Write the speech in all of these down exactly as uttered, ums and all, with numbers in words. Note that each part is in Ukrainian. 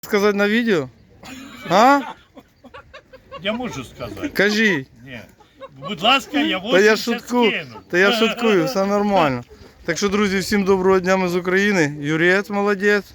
Сказати на відео? А? Я можу сказати. Кажіть. Ні. Будь ласка, я Та я вісімдесят шуткую, скину. та я шуткую, все нормально. Так що, друзі, всім доброго дня, ми з України. Юрієць молодець.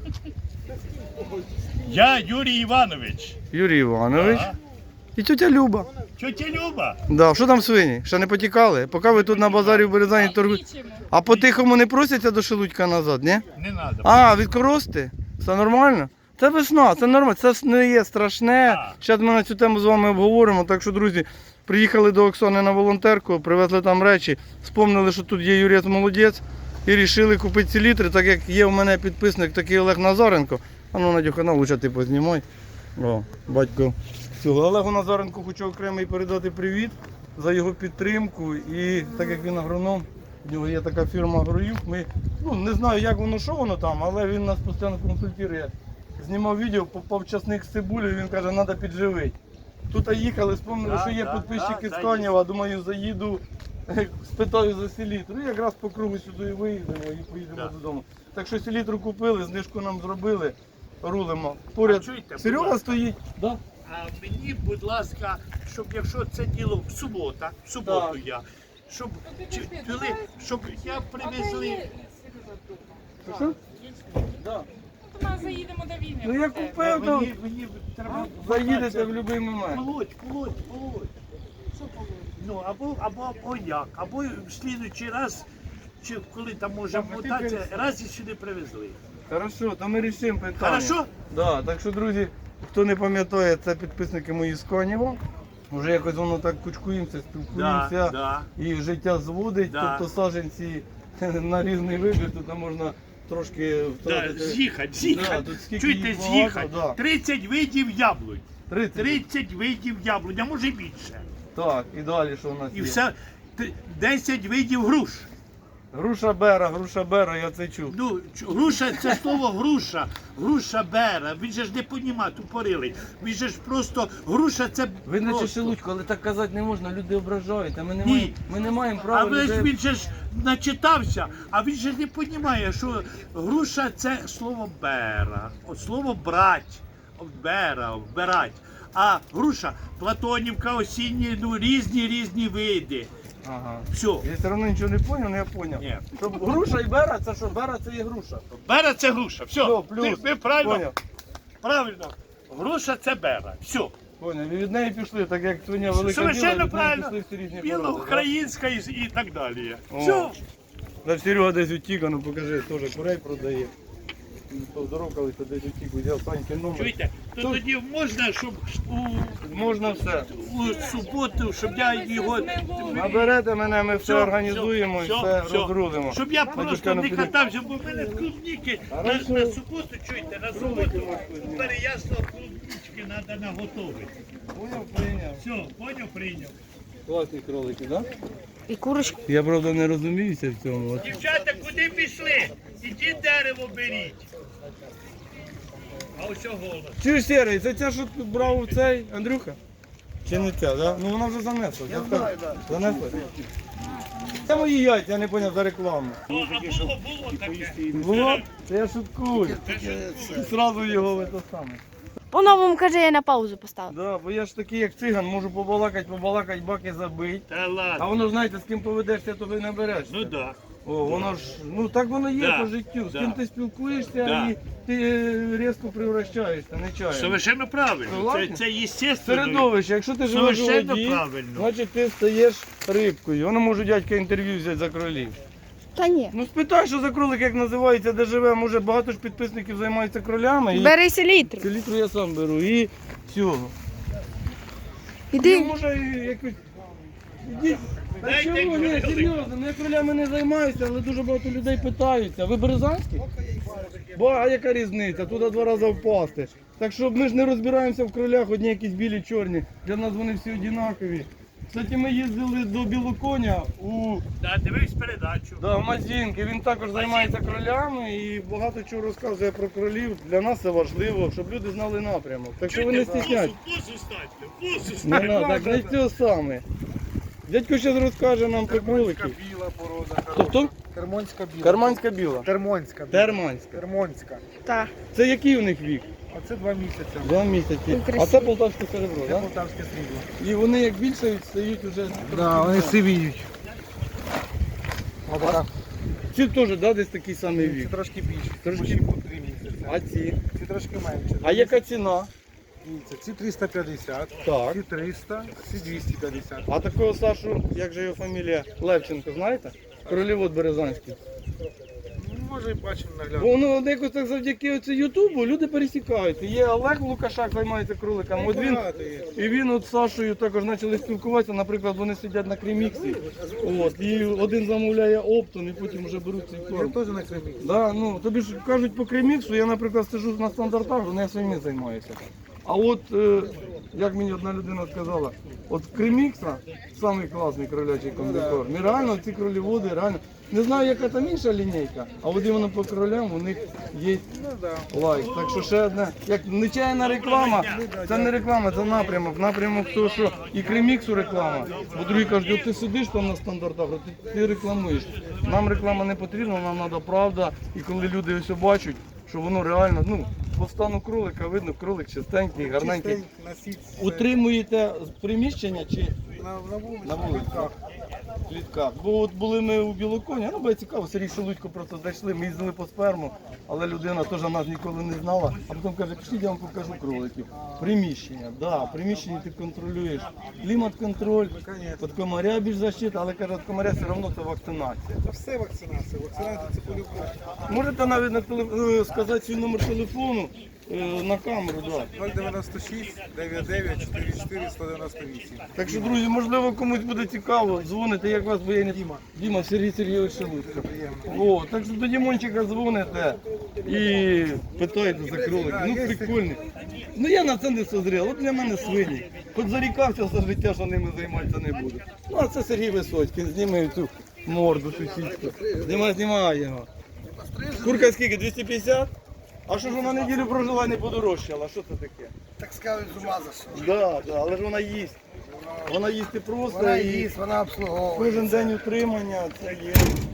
Я Юрій Іванович. Юрій Іванович. Ага. І тетя Люба. Тьотя Люба. Да, що там свині? Ще не потікали? Поки ви тут на базарі в Березані торгуєте. А по-тихому не просяться до Шелудька назад, ні? Не треба. А, від корости? Все нормально? Це весна, це нормально, це не є страшне. Зараз ми на цю тему з вами обговоримо. Так що, друзі, приїхали до Оксани на волонтерку, привезли там речі, вспомнили, що тут є Юрієць молодець і вирішили купити ці літри, так як є у мене підписник такий Олег Назаренко. А ну, Надюха, на лучше ти познімай. О, батько цього. Олегу Назаренку хочу окремо і передати привіт за його підтримку. І так як він агроном, у нього є така фірма Агроюк. Ми, ну, не знаю, як воно, що воно там, але він нас постійно консультує. Знімав відео, попав часник з цибулею, він каже, треба підживити. Тут їхали, вспомнили, Да, що є да, підписчики да, з Канєва, думаю, заїду, спитаю за селітру. І якраз по кругу сюди виїдемо і поїдемо Да. додому. Так що селітру купили, знижку нам зробили, рулимо. Поряд А чуєте, будь Серега ласка? стоїть. Да? А мені, будь ласка, щоб якщо це діло в субота, в суботу Так. я, щоб, чи, коли, щоб я привезли. Що? Да. До нас заїдемо до війни. Ну я купив, то Мені, мені треба заїдете в будь-який момент. Полоть, полоть, полоть. Що половину? Ну, або, або, або як, або в слідуючий раз, чи коли там може Так, а ти мотація, перес- раз і сюди привезли. Хорошо, то ми рішимо питання. Хорошо? Да, так що, друзі, хто не пам'ятає, це підписники мої з Канєва. Вже якось воно так кучкуємося, спілкуємося. Да, да. І життя зводить, Да. тобто саджанці на різний вибір, тут можна трошки Да, втратити. з'їхати, Да, з'їхати. тут скільки Чуєте, їх багато, з'їхати. да. тридцять видів яблунь. тридцять. тридцять видів яблунь, а може більше. Так, і далі що у нас І є? все, т- десять видів груш. Груша бера, груша бера, я це чув. Ну, ч- груша це слово груша. Груша бера. Він же ж не понімає, тупорилий. Він же ж просто груша це. Ви наче просто. Шелудько, але так казати не можна, люди ображають, а ми не Ні. маємо, ми не маємо права А ви ж людей... він же ж начитався, а він же ж не розуміє, що груша це слово бера, от слово брать, от бера, вбирать. А груша, платонівка, осінні, ну різні різні види. Ага. Все. Я все одно нічого не зрозумів, але я зрозумів. Ні. Щоб груша і бера, це що? Бера це є груша. Бера це груша. Все. Все, плюс. Ти, ви правильно, Поняв. правильно. Груша це бера. Все. Поняв. І від неї пішли, так як свиня велика біла, Совершенно від неї правильно. пішли всі різні Біла, породи, українська і, і так далі. О. Все. да? Да, Серега десь утік, а ну покажи, теж курей продає. Поздоровкалися, десь утік, взяв Санький номер. Чуєте, то Тут- тоді можна, щоб у Можна все. у суботу, щоб я його Наберете мене, ми все, Все, організуємо все, і все, все. розрулимо. щоб я Батюшка, просто ну, не піди. катався, бо в мене клубніки на, Хорошо. на суботу, чуєте, на суботу переясно клубнички треба наготовити. Поняв, прийняв. Все, поняв, прийняв. Класні кролики, так? І курочка. Я, правда, не розуміюся в цьому. От. Дівчата, куди пішли? Ідіть дерево беріть. А ось що голос. Чуєш, Серий, це ця, що тут брав цей Андрюха? Чи не ця, да? Ну вона вже занесла. Я знаю, так. Занесла? Це мої яйця, я не зрозумів за рекламу. О, а було, було таке. Було? Це я шуткую. І Зразу його в це саме. По-новому каже, я на паузу поставив. Да, бо я ж такий, як циган, можу побалакати, побалакати, баки забити. Та А ладно. воно ж, знаєте, з ким поведешся, то ви наберешся. Ну да. О, воно ж, ну так воно є Да, по життю. З да. ким ти спілкуєшся Да. і ти е, різко превращаєшся, нечаянно. Совершенно правильно. Це, Согласен? це естественно. Середовище, якщо ти живеш у Совершенно воді, правильно. значить ти стаєш рибкою. Воно може дядька інтерв'ю взяти за кролів. Та ні. Ну спитай, що за кролик, як називається, де живе, може багато ж підписників займаються кролями. І Бери селітру. селітру я сам беру і цього. Ну, Іди. може і якось. Ідіть. Та Дайте чого, ні, кролик. серйозно, ну, я кролями не займаюся, але дуже багато людей питаються. Ви березанські? Бо, а яка різниця? Туди два рази впасти. Так що ми ж не розбираємося в кролях, одні якісь білі, чорні. Для нас вони всі однакові. Кстати, ми їздили до Білоконя у Да, дивись передачу. да, Мазінки. Він також займається кролями і багато чого розказує про кролів. Для нас це важливо, щоб люди знали напрямок. Так що ви не стісняйтесь. Позу ставте, позу Не ставте. надо, так не цього саме. Дядько зараз розкаже нам про кроликів. Біла порода. Тобто? Термонська біла. Карманська біла. Термонська. біла. Терманська. Термонська. Так. Це який у них вік? А це два місяці. Два місяці. Ну, А красиво. це полтавське серебро, Це так? полтавське срібло. І вони як більшають, стають вже. Да, вони сивіють. Отака. Ці теж, да, десь такий самий Це вік. трошки більше. Трошки. Трошки по три місяці. А ці? Ці трошки менше. А яка ціна? Дивіться, ці триста п'ятдесят, Так. ці триста, ці двісті п'ятдесят. А такого Сашу, як же його фамілія, Левченко, знаєте? Королівод Березанський. Ну, може і бачимо Бо наглядно. воно якось так завдяки оцю Ютубу люди пересікаються. Є Олег Лукашак, займається кроликами. От він, Багато є. і він от з Сашою також почали спілкуватися. Наприклад, вони сидять на креміксі. От, і один замовляє оптом, і потім вже беруть цей Я корм. теж на кремі. Да, ну, тобі ж кажуть по креміксу, я, наприклад, сижу на стандартах, вони своїми займаюся. А от, е, як мені одна людина сказала, от в кремікса самий класний кролячий комбікорм. І реально ці кроліводи, реально. Не знаю, яка там інша лінійка, а от іменно по кролям у них є Ну да. лайк. Так що ще одне, як нечайна реклама, це не реклама, це напрямок. Напрямок того, що і креміксу реклама. Бо другі кажуть, от ти сидиш там на стандартах, от ти, ти рекламуєш. Нам реклама не потрібна, нам треба правда. І коли люди ось побачать, що воно реально, ну, по стану кролика видно, кролик чистенький, гарненький. Чистий, носіть все. Утримуєте приміщення чи На, на вулиці. на вулиці? В клітках. Бо от були ми у Білоконі, ну було цікаво, Сергій Шелудько просто зайшли, ми їздили по сперму, але людина теж нас ніколи не знала. А потім каже, пішли, я вам покажу кроликів. Приміщення, да, приміщення ти контролюєш. Клімат-контроль, від комаря більш защита, але каже, від комаря все одно це вакцинація. Це все вакцинація. Вакцинація це по-любому. Можете навіть на теле- е, сказати свій номер телефону е, на камеру, да. нуль дев'яносто шість дев'яносто дев'ять чотири чотири сто дев'яносто вісім. Так що, друзі, можливо, комусь буде цікаво, дзвоните, як вас, бо я не Діма. Діма Сергій Сергійович Шелудько. О, так що до Дімончика дзвоните і питаєте за кролики. Ну, прикольні. Ну я на це не созрів, от для мене свині. Хоч зарікався все життя, що ними займатися не буду. Ну, а це Сергій Висоцький, зніме цю морду сусідську. Знімай, знімай його. Курка скільки, двісті п'ятдесят? А що ж вона неділю прожила і не подорожчала? Що це таке? Так скажуть, з ума зайшов. Да, да, але ж вона їсть. Вона їсти просто Вона і їсть, вона обслуговує. кожен день утримання, це є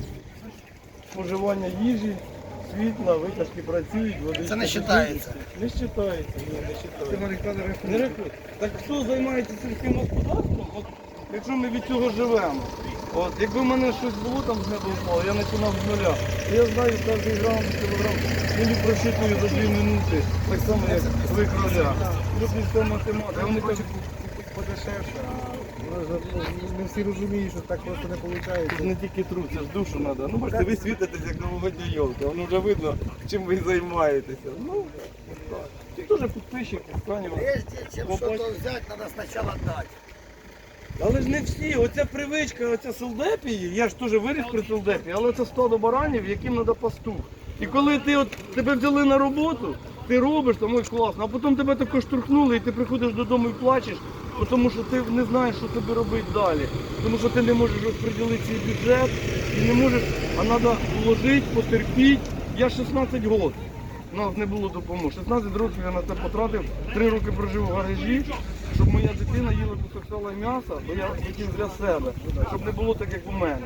споживання їжі, світла, витяжки працюють, водичка. Це не біжить. вважається. Не вважається, ні, не Це вважається. ніхто не рахує. Не рахує. Так хто займається сільським господарством, от, якщо ми від цього живемо, от, якби в мене щось було там з неба впало, я починав з нуля. Я знаю кожен грам, кілограм, я просчитую за дві минути, так само як ви кроля. Любительська математика, а вони кажуть, Подешевше, а не всі розуміють, що так просто не виходить. це не тільки труд, це ж душу треба. Ну, бачите, ви світитесь як новогодня йолка, воно вже видно, чим ви займаєтеся. Ну, ось так. Ті теж підписчики, стані вас. Прежде чем Побачите. что-то взять, надо сначала дать. Але ж не всі, оця привичка, оця солдепії, я ж теж виріс при солдепі, але це стадо баранів, яким треба пастух. І коли ти от, тебе взяли на роботу, ти робиш, там ой, класно, а потім тебе тако штурхнули і ти приходиш додому і плачеш, тому що ти не знаєш, що тобі робити далі. Тому що ти не можеш розподілити свій бюджет і не можеш, а треба вложити, потерпіти. Я шістнадцять років. У нас не було допомоги. шістнадцять років я на це потратив, три роки прожив у гаражі, щоб моя дитина їла кусок сала і м'яса, бо я хотів для себе, щоб не було так, як у мене.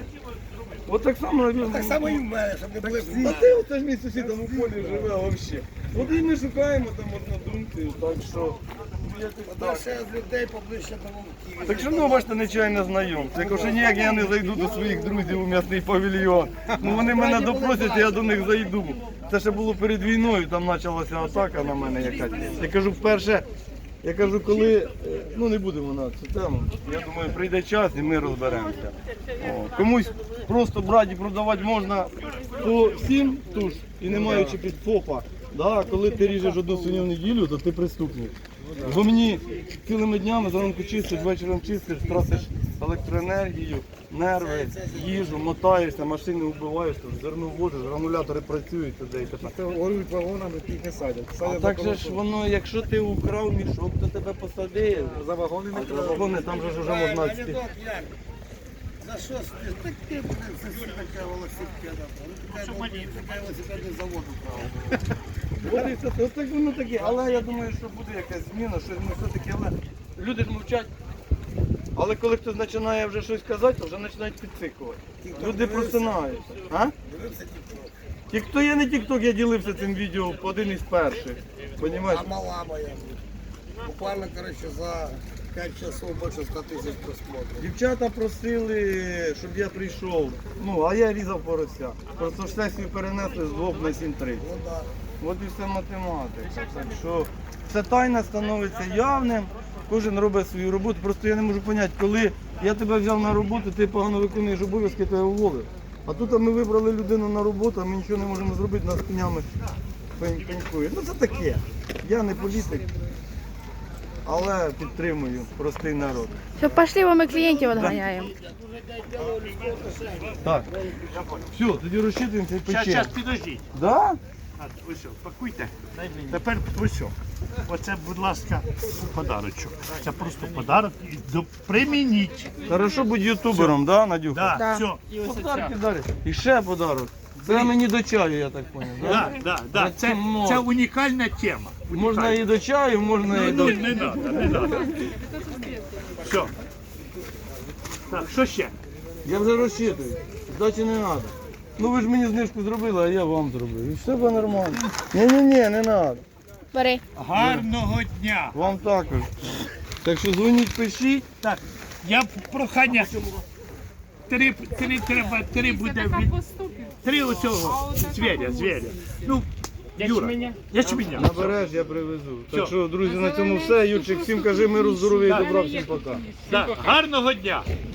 От так само, навіть, Так само і в мене, щоб не були всі. а ти оце ж мій сусід там у полі живе взагалі. От і ми шукаємо там однодумців, так що ну, якось так. Ще з людей поближче до вовків. Так що ну бачите, нечайно знайомці. Я кажу, що ніяк я не зайду до своїх друзів у м'ясний павільйон. Ну вони мене допросять, я до них зайду. Це ще було перед війною, там почалася атака на мене якась. Я кажу, вперше, я кажу, коли, е, ну не будемо на цю тему, я думаю, прийде час і ми розберемося. О, комусь просто брати і продавати можна по всім туш і не маючи під ФОПа. Да, коли ти ріжеш одну свиню в неділю, то ти преступник. Бо мені цілими днями зранку чистиш, вечором чистиш, тратиш електроенергію, нерви, їжу, мотаєшся, машини вбиваєш, там, зерно вводиш, гранулятори працюють туди і таке. Це горюють вагонами, їх не садять. А Садять так за же ж воно, якщо ти украв мішок, то тебе посадили. За вагони не А за вагони там же ж вже можна. Анекдот як? За що ж ти? Так ти, блин, це всі таке велосипеда. Ну, така велосипедний завод управив. От і все. От так воно таке. Але я думаю, що буде якась зміна, що ми все-таки, але люди ж мовчать. Але коли хтось починає вже щось казати, то вже починають підцикувати. Люди просинаються. А? Дивився тік-ток. Тік-то я не тік-ток, я ділився цим відео один із перших. Понімаєш? А мала моя. Буквально, короче, за пять часов больше ста тысяч просмотров. Дівчата просили, щоб я прийшов. Ну, а я різав порося. Просто ж сесію перенесли з двох на сім три. Ну да. От і все математика. Так що це тайна становиться явним. Кожен робить свою роботу. Просто я не можу зрозуміти, коли я тебе взяв на роботу, ти погано виконуєш обов'язки, тебе уволив. А тут ми вибрали людину на роботу, а ми нічого не можемо зробити, нас конями пень- пенькують. Ну це таке. Я не політик, але підтримую простий народ. Все, пошли, бо ми клієнтів відганяємо. Так, все, тоді розчитуємося і Щас, печемо. щас, підождіть. Да? А, ось, о, пакуйте. Тепер ось. о. Оце, будь ласка, подарочок. Це просто подарок. І до- Примініть. Хорошо будь ютубером, да, Надюха? Да, Да. все. Подарки далі. І ще подарок. Це мені до чаю, я так зрозумів. Да, да, да. Це, це унікальна тема. Можна і до чаю, можна і Ну, до... не треба, не треба. Все. Так, що ще? Я вже розчитую. Здачі не треба. Ну ви ж мені знижку зробили, а я вам зробив. І все буде нормально. Ні-ні-ні, не треба. Бери. Гарного дня. Вам також. Так що дзвоніть, пишіть. Так, я прохання. Три, три треба, три буде від... Три оцього звіря, звіря. Ну, Юра, ячменя. Набереш, я привезу. Так Все. що, друзі, на цьому все. Юрчик, всім кажи миру, здоров'я і добра, всім пока. Так, гарного дня.